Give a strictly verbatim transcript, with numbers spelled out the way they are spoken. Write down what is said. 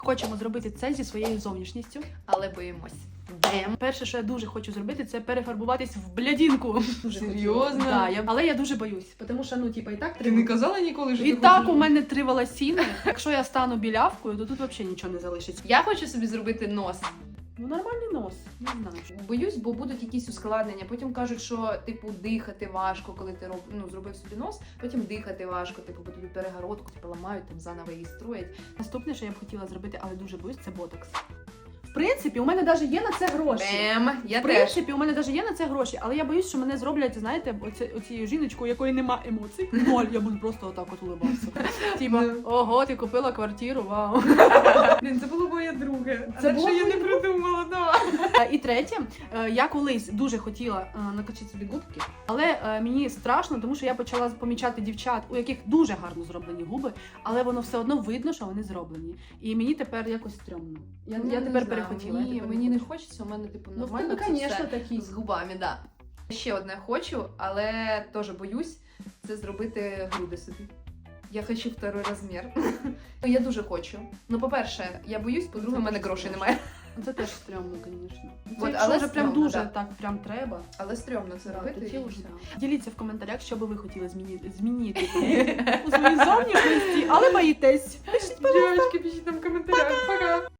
Хочемо зробити це зі своєю зовнішністю. Але боїмось. Бем. Перше, що я дуже хочу зробити, це перефарбуватись в блядінку. Серйозно? Да, я... Але я дуже боюсь, тому що, ну, типа, і так Ти треба. не казала ніколи, що І ти так хочеш? у мене три волосіни. Якщо я стану білявкою, то тут взагалі нічого не залишиться. Я хочу собі зробити нос. Ну, нормальний нос, не знаю. Боюсь, бо будуть якісь ускладнення. Потім кажуть, що типу дихати важко, коли ти роб... ну, зробив собі нос. Потім дихати важко, типу, бо тобі перегородку типу, ламають, там заново її строять. Наступне, що я б хотіла зробити, але дуже боюсь, це ботокс. В принципі, у мене навіть є на це гроші. Бем, я В теж. принципі, у мене навіть є на це гроші, але я боюсь, що мене зроблять, знаєте, оці, оцією жіночкою, у якої нема емоцій. Ноль, я буду просто отак от улибатися. Типа, ого, ти купила квартиру, вау. Блін, це було моє друге. Це Це було я не моє придумала, да. Е, І третє, е, я колись дуже хотіла е, накачати собі губки, але е, мені страшно, тому що я почала помічати дівчат, у яких дуже гарно зроблені губи, але воно все одно видно, що вони зроблені. І мені тепер якось стрьомно. Я, Ну, я не тепер знаю, перехотіла. Ні, я тепер мені не хочу. хочеться, у мене типу Ну, в нормально тебе, це звісно, все такі. з губами, да. Ще одне хочу, але теж боюсь, це зробити груди собі. Я хочу второй розмір. Я дуже хочу. Ну, по-перше, я боюсь, по-друге, в мене грошей немає. Це теж стрьомно, звісно. От, Але але вже прям стрьомно, дуже да. так прям треба. Але стрьомно це Да, робити. тоді і вже все. да. Діліться в коментарях, що би ви хотіли змінити, змінити у своїй зовнішності, але боїтесь. Дівчатки, пишіть нам в коментарях. Пока!